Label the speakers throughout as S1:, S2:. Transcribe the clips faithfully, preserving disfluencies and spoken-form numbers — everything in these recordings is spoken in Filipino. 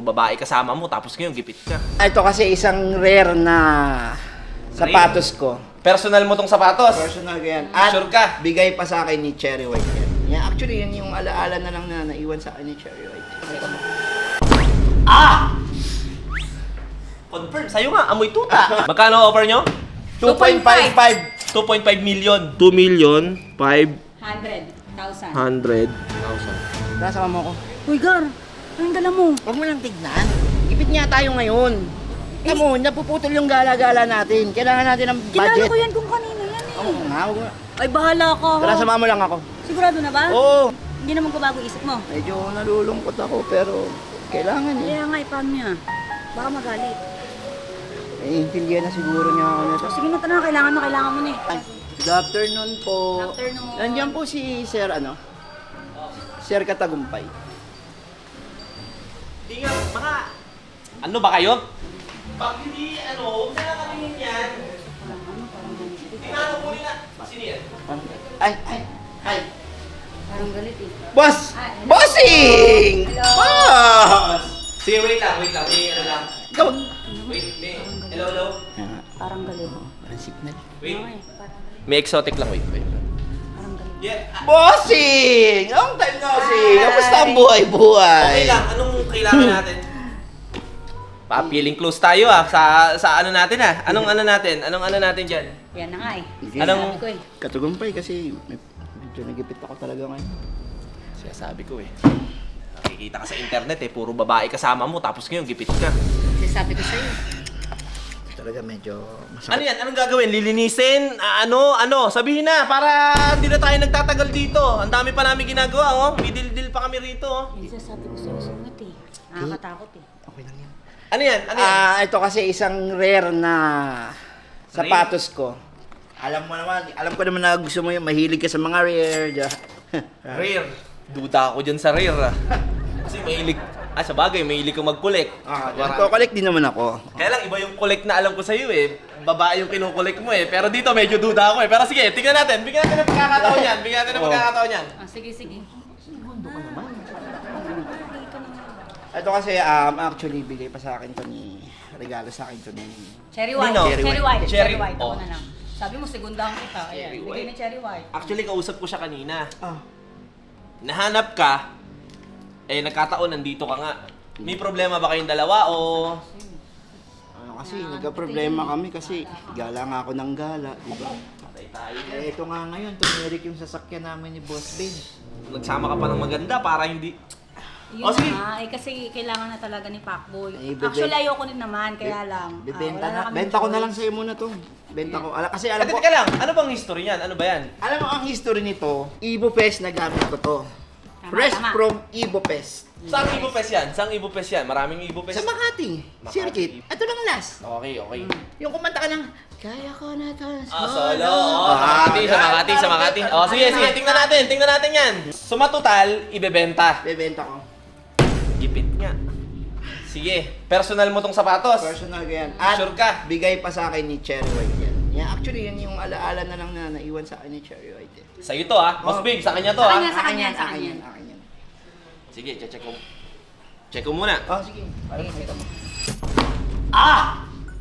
S1: babae kasama mo, tapos ngayon gipit ka.
S2: Ito kasi isang rare na sapatos ko.
S1: Personal mo tong sapatos?
S2: Personal ko yan. At
S1: Sure ka?
S2: bigay pa sa akin ni Cherry White yan. Yeah, actually, yan yung alaala na lang na naiwan sa akin ni Cherry White.
S1: Ah! Confirm, sa'yo nga, amoy tuta. Magkano offer nyo?
S2: two point five five.
S1: two point five million. two million, five
S3: Hundred thousand.
S1: hundred thousand.
S2: Tara, sama mo ko.
S3: Uy, Gar, anong dala mo?
S2: Huwag mo lang tignan. Ipit nga tayo ngayon. Alam mo, napuputol yung gala-gala natin. Kailangan natin ng
S3: Kilala
S2: budget.
S3: ko yan kung kanino yan eh.
S2: Oo nga, huwag mo.
S3: Ay, bahala ka.
S2: Tara,
S3: ha?
S2: sama mo lang ako.
S3: Sigurado na ba?
S2: Oo.
S3: Hindi naman ko bago isip mo.
S2: Medyo nalulungkot ako, pero kailangan eh.
S3: Kaya nga, ipaano niya? Baka magalit.
S2: Naiintindihan na siguro niya ako nito.
S3: Sige na, tara, kailangan mo, kailangan mo na eh.
S2: Ay, good afternoon po.
S3: Good afternoon.
S2: Nandiyan po si Sir, ano? Sir Katagumpay.
S1: Di nga, mga... Ano ba kayo? Pag hindi, ano, huwag na lang kami yan. Tingnan mo muli na. Sino yan?
S2: Ay, ay, ay.
S3: Parang galit eh.
S2: Boss!
S3: Ay.
S2: Bossing!
S3: Hello.
S2: Boss!
S1: Sige, wait lang, wait lang. May ano lang.
S2: Ikaw.
S1: Wait, may... Hello, hello?
S3: Parang galit.
S2: Parang signal.
S1: Wait.
S3: Ay, parang,
S1: May exotic lang, wait, wait.
S3: parang galit.
S1: Yeah. ah,
S2: Bossing! Long time no see! Kamusta ang buhay-buhay?
S1: Okay lang, anong kailangan natin? Pa-feeling close tayo ah, sa sa ano natin ah. Anong ano natin? Anong ano natin diyan?
S3: Yan na nga eh.
S1: Anong-
S3: Sabi ko eh.
S2: Katagumpay kasi med- medyo nagipit ako talaga ngayon.
S1: Sinasabi ko eh. Nakikita ka sa internet eh, puro babae kasama mo, tapos ngayon gipit ka.
S3: Sabi ko sa'yo.
S2: Talaga medyo
S1: Ano
S2: masakit.
S1: yan? Anong gagawin? Lilinisin? Ah, ano? Ano? Sabihin na para hindi na tayo nagtatagal dito. Ang dami pa namin ginagawa oh. May deal-deal pa kami rito oh.
S3: Hindi sabi ko sa'yo, sungit eh. Nakakatakot eh.
S2: Okay lang yan.
S1: Ano yan? Ano yan?
S2: Ah, ito kasi isang rare na sapatos ko. Alam mo naman, alam ko naman na gusto mo yung mahilig ka sa mga rare. di-
S1: Rare. Duda ako dyan sa rare ah. Kasi mahilig, ah sa bagay, mahilig kang mag-collect.
S2: Ah,
S1: Marami.
S2: nagko-collect din naman ako.
S1: Kaya lang, iba yung collect na alam ko sa'yo eh. Babae yung kinukolect mo eh. Pero dito medyo duda ako eh. Pero sige, tingnan natin. Bigyan natin ng pagkakataon yan. Bigyan natin ng
S2: Oh.
S1: pagkakataon yan.
S3: Ah, sige, sige.
S2: Ito kasi um, actually bigay pa sa akin to ni regalo sa akin to ni
S3: Cherry white.
S1: Nino?
S3: Cherry,
S2: Cherry
S3: white.
S2: white.
S3: Cherry
S1: Cherry-
S3: white. Ako
S1: oh.
S3: na lang. Sabi mo, segundahan kita.
S1: Cherry
S3: Ayan, bigay
S1: white.
S3: ni cherry white.
S1: Actually, kausap ko siya kanina.
S2: Ah,
S1: Nahanap ka, eh nagkataon nandito ka nga. May problema ba kayong dalawa o...
S2: ano kasi nagka-problema kami kasi gala nga ako ng gala, di ba?
S1: Patay tayo.
S2: Eh ito nga ngayon, tumirik yung sasakyan namin ni Boss Ben.
S1: Nagsama ka pa ng maganda para hindi...
S3: Yun
S1: Oh, sige.
S3: nga, eh kasi kailangan na talaga ni Pacboy.
S2: Eh, bebe-
S3: Actually, ayoko din naman, kaya lang. ah,
S2: Bibenta
S3: wala
S2: na,
S3: kaming
S2: benta ko na lang
S3: choice.
S2: sa'yo muna to. Benta ko. Ala, kasi
S1: Eh,
S2: alam ko,
S1: teka lang, ano bang history niyan? Ano ba yan?
S2: alam mo ang history nito, Ibopest na gamit ko to.
S3: Tama,
S2: Fresh
S3: tama.
S2: from Ibopest.
S1: Saan Ibopes yan? Saan Ibopes yan? Maraming Ibopes.
S2: Sa Makati,
S1: Makati.
S2: circuit. Ito lang last.
S1: Okay, okay.
S2: Yung kumanta ka ng, kaya ko na to.
S1: Ah, solo. Oh, sa Makati, sa Makati, sa Makati. Oh, sige, sige, tingnan natin, tingnan natin yan. Suma total, ibebenta.
S2: Bebenta ko.
S1: Gipit nga. Sige, personal mo tong sapatos.
S2: Personal ko yan. At
S1: Sure ka?
S2: bigay pa sa akin ni Cherry White yan. Yeah, actually, yan yung alaala na lang na naiwan sa akin ni Cherry White. Eh.
S1: Sa'yo to ah. Mas big, sa kanya to
S3: Sa
S1: ah.
S3: kanya.
S2: Sa kanya,
S3: sa
S2: sa
S3: kanya.
S2: kanya, sa kanya.
S1: Sige, check ko. Check ko muna.
S2: Oh, sige. Para makita mo.
S1: Ah!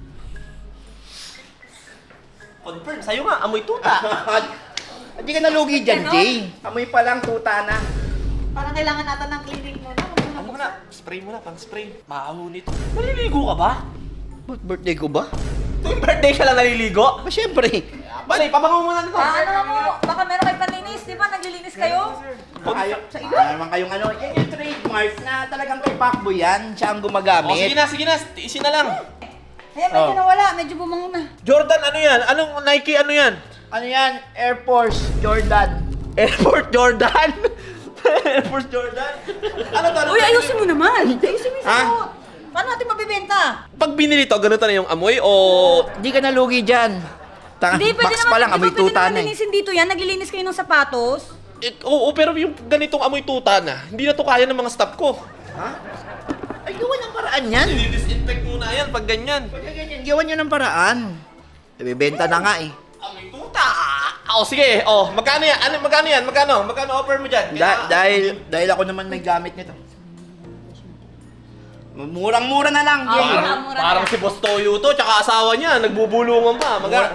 S1: Confirm, sa'yo nga, amoy tuta.
S2: Hindi ka nalugi dyan,
S3: Ganon?
S2: Jay. Amoy pa lang tuta na.
S3: Parang kailangan natin ng clinic mo na.
S1: Ano na? Spray mo na, pang spray. Maho nito. Naliligo ka ba?
S2: Ba't birthday ko ba?
S1: Tuwing birthday ka lang naliligo?
S2: Ba, syempre.
S1: Bali, pabango mo na nito.
S3: Ah, ano mo? Baka meron kayo panlinis, di ba? Naglilinis kayo?
S2: Kayo, sa iba. naman kayong ano, yan yung trademark na talagang kay Pacboy yan. Siya ang
S1: Oh, sige
S2: gumagamit.
S1: na, sige na. Tiisin na lang.
S3: Ayan, medyo
S2: Oh.
S3: nawala. Medyo bumango na.
S1: Jordan, ano yan? Anong Nike, ano yan?
S2: Ano yan? Air Force Jordan.
S1: Air Force Jordan? Air Force Jordan? Ano to? Ano
S3: Uy,
S1: to?
S3: ayusin mo naman. Ayusin mo yung
S2: Ha?
S3: suot. Paano natin mabibenta?
S1: Pag binili to, ganito na yung amoy o...
S2: Hindi ka nalugi dyan. Tanga,
S3: Hindi, pwede
S2: box
S3: naman.
S2: pa lang,
S3: di ba
S2: amoy
S3: pwede
S2: tuta
S3: naman
S2: na eh.
S3: linisin dito yan? Naglilinis kayo ng sapatos?
S1: Eh, oo, pero yung ganitong amoy tuta na, hindi na to kaya ng mga staff ko.
S2: Ha? Ay, gawa ng paraan yan.
S1: Dinidisinfect muna yan pag ganyan.
S2: Pagka ganyan, gawan nyo ng paraan. Ibibenta na nga eh.
S1: Amoy tuta! Oh, sige. Oh, magkano yan? Ano, magkano yan? Magkano? Magkano offer mo dyan?
S2: Da- dahil, dahil ako naman may gamit nito. Murang-mura na lang,
S3: Ah,
S2: Jay.
S3: mura.
S1: Parang, parang si Boss Toyo to, tsaka asawa niya, nagbubulungan pa. Maga...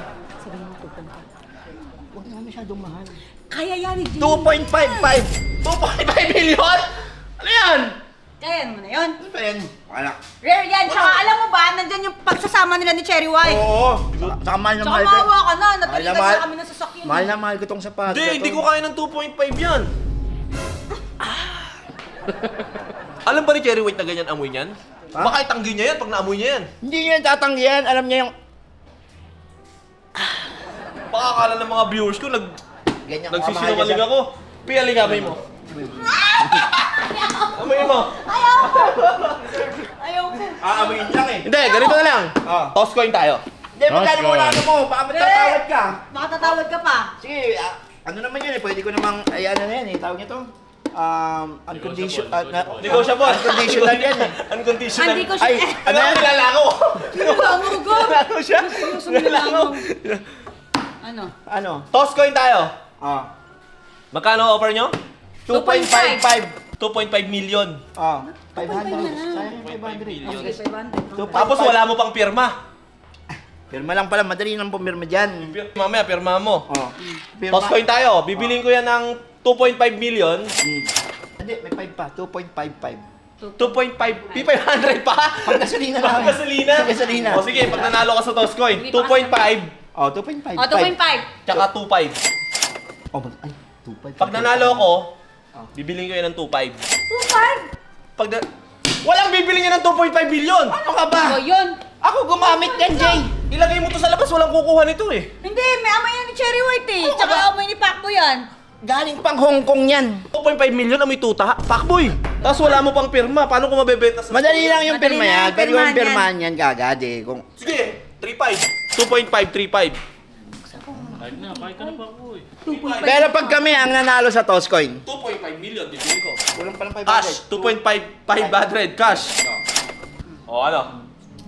S2: Huwag naman masyadong mahal.
S3: Kaya yan eh, Jay.
S2: two point five five.
S1: two point five million? Ano yan?
S3: Kaya mo na yun.
S2: Ano ba yan? Wala.
S3: Rare yan. Tsaka alam mo ba, nandyan yung pagsasama nila ni Cherry White.
S2: Oo. Saka mahal na
S3: Tsaka
S2: mahal ko.
S3: maawa ka na.
S2: Mahal na
S3: Napilitan
S2: mahal.
S3: na kami ng sasakyan.
S2: Mahal na mahal ko tong sapatos.
S1: Hindi, hindi ko kaya ng two point five yan. Alam ba ni Cherry White na ganyan amoy niyan?
S2: Ha?
S1: Baka itanggi niya yan pag naamoy niya yan.
S2: Hindi niya tatanggihan. Alam niya yung...
S1: Baka akala ng mga viewers ko, nag,
S2: Ganyan
S1: nagsisinungaling ako. Piyaling amoy mo. Amoy mo.
S3: Ayaw ko. Ayaw ko.
S2: Aamoyin lang eh.
S1: Hindi, ganito na lang.
S2: Ah.
S1: Toss coin tayo.
S2: Hindi, magkano mo na ano mo? Baka matatawad ka.
S3: Baka tatawad ka pa.
S2: Sige, ah, ano naman yun eh. Pwede ko namang, ay ano na yan eh. Tawag niya to. Um, unconditional. Uh, na,
S1: Negotiable.
S2: Unconditional yan eh.
S1: Unconditional.
S3: Hindi ko siya.
S2: Ay,
S1: Ano
S2: ano
S1: yan?
S2: yan?
S1: Nilalako.
S3: Nilalako ko.
S1: Nilalako siya.
S3: Seryoso
S1: Nilalako.
S3: Ano?
S2: Ano?
S1: Toss coin tayo.
S2: Ah.
S1: Magkano offer nyo?
S2: two point five five.
S1: two point five million.
S2: Ah. five hundred.
S3: na lang.
S2: Sayang yung five hundred.
S1: million.
S3: Sige, five hundred.
S2: Two point
S1: Tapos
S2: five.
S1: wala mo pang pirma.
S2: Pirma lang pala. Madali nang pumirma dyan.
S1: Pir- Mamaya, pirma mo.
S2: Oh.
S1: Toss coin tayo. Bibiling ko yan ng two point five million.
S2: Hmm. Hindi, may five pa. two point five five.
S1: two point five, P five hundred pa?
S2: Pag gasolina lang.
S1: Pag gasolina?
S2: Pag gasolina.
S1: O sige, pag nanalo ka sa toss coin, two point five,
S2: Oh, two point five.
S3: O, two point five.
S1: tsaka two point five.
S2: Oh, mag- ay, two point five.
S1: Pag nanalo ako, bibiling ko yan ng two point five.
S3: two point five.
S1: Pag na- Walang bibiling yan ng two point five billion!
S2: Ano ka ba?
S3: O, yun.
S2: Ako gumamit yan, Jay.
S1: Ilagay mo to sa labas, walang kukuha nito eh.
S3: Hindi, may amoy yan ni Cherry White eh.
S2: Ano
S3: Tsaka
S2: ba?
S3: amoy ni Pacboy yan.
S2: Galing pang Hong Kong yan.
S1: two point five million amoy tuta, pakboy. Tapos wala mo pang pirma, paano ko mabebenta sa...
S2: Madali lang yung
S3: Madali
S2: pirma
S3: lang
S2: yan.
S3: yung
S2: Pero
S3: pirmahan
S2: yung pirmahan yan kagad eh. Kung...
S1: Sige, three point five. two point five, three point five.
S2: Pero pag kami ang nanalo sa toss coin,
S1: two point five million, bibili ko.
S2: kulang pa ng five hundred.
S1: Cash, two point five, five hundred, cash. O ano?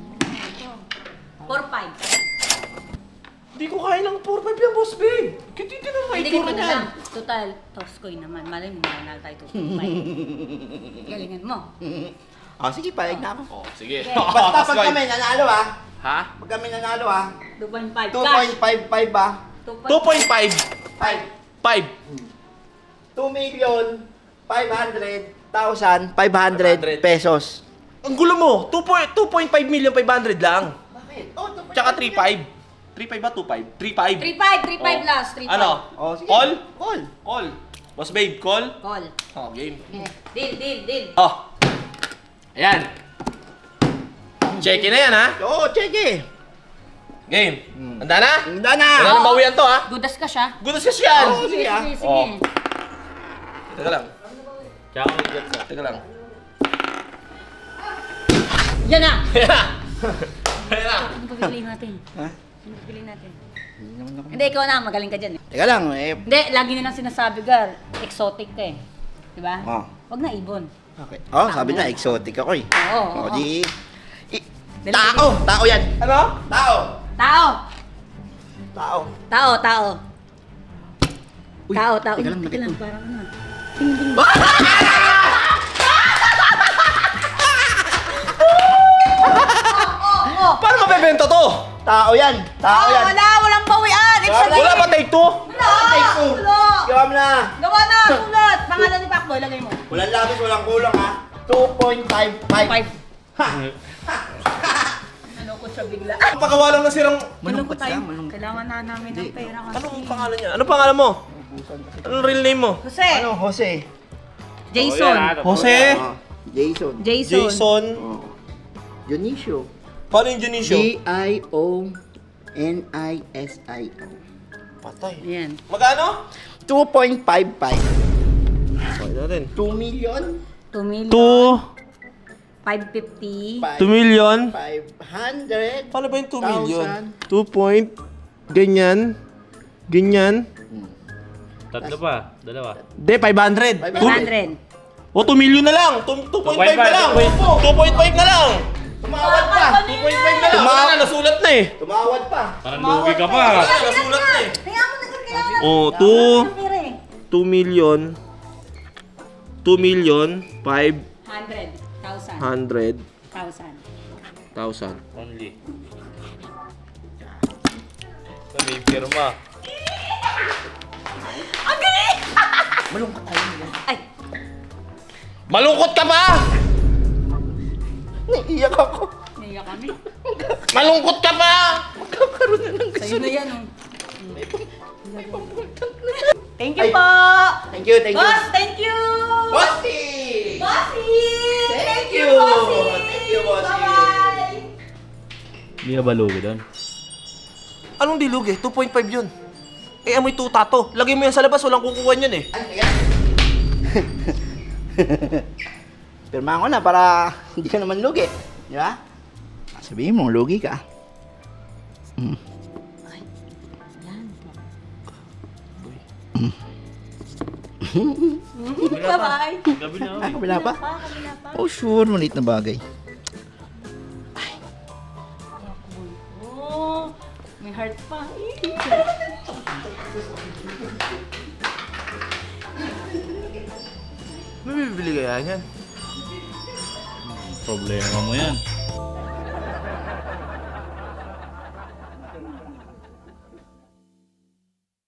S3: four five.
S1: Hindi ko kaya ng four point five yan, boss babe. Kititi na may
S3: Hindi
S1: tura
S3: ganito na
S1: niyan.
S3: lang. Total, Toscoy naman. Malay mo, mananalo tayo two point five. Galingan mo.
S2: Oh, sige, palag na ako.
S1: Oh, sige.
S3: Okay.
S2: Basta pag kami nanalo ah.
S1: Ha?
S2: Pag kami nanalo ah.
S3: two point five.
S2: two point five five ba?
S1: two point five.
S2: five.
S1: five.
S2: two million five hundred thousand five hundred pesos.
S1: Ang gulo mo, two point five million five hundred lang.
S2: Bakit? Oh, two point
S1: Tsaka
S2: five
S1: three point five. three point five ba? two point five? three point five.
S3: three point five, three point five
S1: Oh.
S3: last. three point five.
S1: Ano?
S2: Oh, sige.
S1: Call?
S2: Call.
S1: Call. Boss babe, call?
S3: Call.
S1: Oh, game.
S3: Eh, Deal, deal, deal.
S1: Oh. Ayan. Check in na yan, ha?
S2: Oo, check eh.
S1: Game.
S2: Hmm.
S1: Handa na?
S2: Handa na.
S1: Wala nang bawian to, ha?
S3: Gudas ka siya.
S1: Good as yan.
S2: Oh, sige, ah.
S3: sige, sige.
S1: Oh. Teka lang. Teka lang.
S3: Yan na.
S1: Ayan na. Ayan na.
S3: Ano ba pipiliin natin?
S2: Ha?
S3: Ano ba pipiliin natin?
S2: Hindi naman ako-
S3: Hindi, ikaw na. Magaling ka dyan eh.
S2: Teka lang, eh.
S3: Hindi, lagi nilang sinasabi, Gar. Exotic ka eh. Diba?
S2: Oh.
S3: Wag na ibon.
S2: Okay. Oh, sabi na, exotic ako eh.
S3: Oo,
S2: Oh,
S3: oo.
S2: di... i-
S3: Dali,
S2: tao! Tao yan!
S1: Ano?
S2: Tao!
S3: Tao!
S2: Tao!
S3: Tao, tao.
S2: Uy,
S3: Tao, tao.
S2: teka lang,
S3: Teka
S2: teka
S3: lang,
S2: lang.
S3: parang ano. Tingin, tingin. Oo, oo.
S1: Paano mabebenta to?
S2: Tao yan! Tao
S3: Oo,
S2: yan!
S3: wala, walang bawian. Ibig
S1: Wala ba take two?
S3: Wala.
S2: Take two!
S3: Wala.
S2: Gawa mo na!
S3: Gawa na, sulat. Pangalan ni Pacboy, lagay mo.
S2: Walang labis, walang kulang ha! two point five five.
S3: Five.
S2: Ha!
S3: Ano ko siya bigla.
S1: Ang pakawalang na sirang...
S2: Malungkot
S3: tayo.
S2: ka, malungkot.
S3: Kailangan na namin ng pera kasi.
S1: Anong pangalan niya? Anong pangalan mo? Anong real name mo?
S3: Jose.
S2: Ano, Jose?
S3: Jason.
S1: Jose?
S2: Oh, Jason.
S3: Jason.
S1: Jason.
S2: Oh. Dionisio.
S1: Paano yung Dionisio?
S2: D I O N I S I O.
S1: Patay.
S3: Yan.
S1: Magkano?
S2: two point five five.
S1: Okay natin.
S2: two million
S3: two million.
S1: Two...
S3: five fifty.
S1: two million.
S2: five hundred.
S1: Paano ba yung two million?
S2: Thousand.
S1: two point... Ganyan. Ganyan.
S4: Tatlo pa, dalawa.
S1: Hindi, five hundred.
S3: five hundred.
S1: O, two million na lang. two point five na lang. two point five na lang.
S2: Tumawad pa.
S1: two point five na lang. Wala na, nasulat na eh.
S2: Tumawad pa.
S4: Parang lugi ka pa.
S1: Wala, nasulat na eh.
S3: Kaya mo na kailangan.
S1: Oh, two...
S3: Pera eh.
S1: two million. two million, five
S3: Hundred thousand.
S1: hundred
S3: Thousand.
S1: Thousand.
S4: Only. May pirma.
S3: Ang galing!
S2: Malungkot tayo nila.
S3: Ay!
S1: Malungkot ka pa!
S2: Naiiyak ako.
S3: Naiyak kami.
S1: Malungkot ka pa!
S2: Magkakaroon na ng
S3: Sa'yo na yan, oh. Thank
S2: Ay.
S3: you po!
S2: Thank you, thank you.
S3: Boss, thank you!
S2: Bossy!
S3: Bossy!
S2: Thank you!
S3: Bossy!
S2: Thank you, Bossy!
S3: Bye-bye!
S4: Hindi ka balugi doon.
S1: Anong dilugi? two point five yun. Eh, amoy tuta to. Lagay mo yan sa labas, walang kukuha yun eh.
S2: Ay, ayan. Pirma ko na para hindi ka naman lugi. Di ba? Sabihin mo, lugi ka. Mm.
S3: Ay, yan. Bye-bye!
S4: Gabi na
S2: Ah,
S4: kami.
S2: kabila pa?
S3: Pa, kabila pa.
S2: Oh, sure. Maliit na bagay.
S3: Oh, may heart pa.
S1: May bibili kaya yan?
S4: Problema mo yan.